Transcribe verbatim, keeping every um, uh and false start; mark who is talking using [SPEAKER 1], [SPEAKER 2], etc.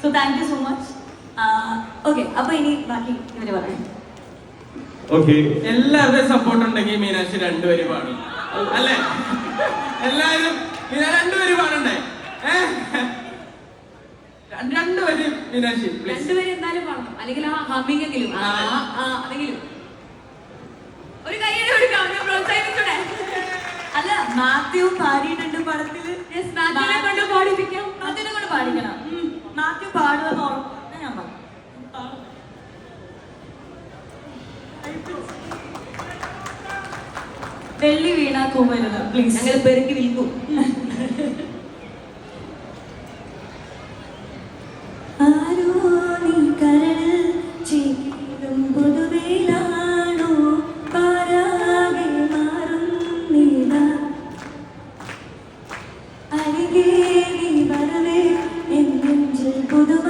[SPEAKER 1] So thank you so much. Okay, അപ്പൊ ഇനി ബാക്കി ഇവര് പറയാം.
[SPEAKER 2] ഓക്കെ, എല്ലാവരുടെയും സപ്പോർട്ട് ഉണ്ടെങ്കിൽ മീനാക്ഷി രണ്ടുപേരും പാടും അല്ലേ? എല്ലാവരും രണ്ടുപേരും പാടണ്ടേ? രണ്ടുപേരും മീനാക്ഷി
[SPEAKER 3] രണ്ടുപേരും എന്തായാലും പാടണം, അല്ലെങ്കിൽ ആ ഹമ്മിങ് എങ്കിലും അതെങ്കിലും ഒരു കൈയ്യടി കൊടുക്കാം, പ്രോത്സാഹിപ്പിച്ചൂടെ?
[SPEAKER 1] അല്ല, മാത്യു പാടിയിട്ടുണ്ട് പടത്തില്.
[SPEAKER 3] മാത്യുവിനെ കൊണ്ട് പാടിപ്പിക്കാം,
[SPEAKER 1] മാത്യുവിനെ കൊണ്ട് പാടിക്കണം. മാത്യു പാടുമെന്ന് ഓർമ്മ ഞാൻ പറഞ്ഞു. വെള്ളി വീണ കുമരുത് പ്ലീസ്,
[SPEAKER 3] ഞങ്ങൾ പെരുക്കി വിൽക്കും.
[SPEAKER 1] ആരോ നീ കരളിൽ ചേരും പൊതുവേലാണോ പാരാകെ മാറും നീതാ അരികെ നീ വരവേ എൻ നെഞ്ചിൽ പുതുമ